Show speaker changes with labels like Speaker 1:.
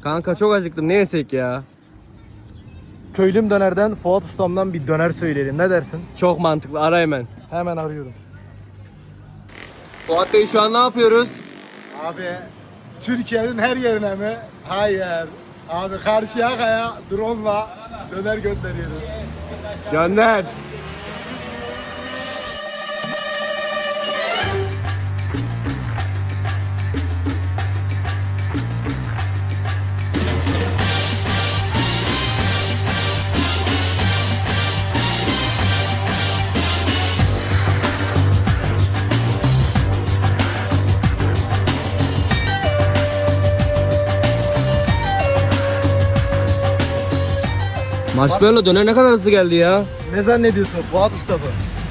Speaker 1: Kanka çok acıktım, ne yesek ya?
Speaker 2: Köylüm dönerden Fuat Ustam'dan bir döner söyleyelim. Ne dersin?
Speaker 1: Çok mantıklı, ara hemen.
Speaker 2: Hemen arıyorum.
Speaker 1: Fuat Bey şu an ne yapıyoruz?
Speaker 3: Abi Türkiye'nin her yerine mi? Hayır. Abi Karşıyaka'ya drone'la döner gönderiyoruz.
Speaker 1: Gönder. Marshmallow döner ne kadar hızlı geldi ya.
Speaker 2: Ne zannediyorsun Fuat Usta bu?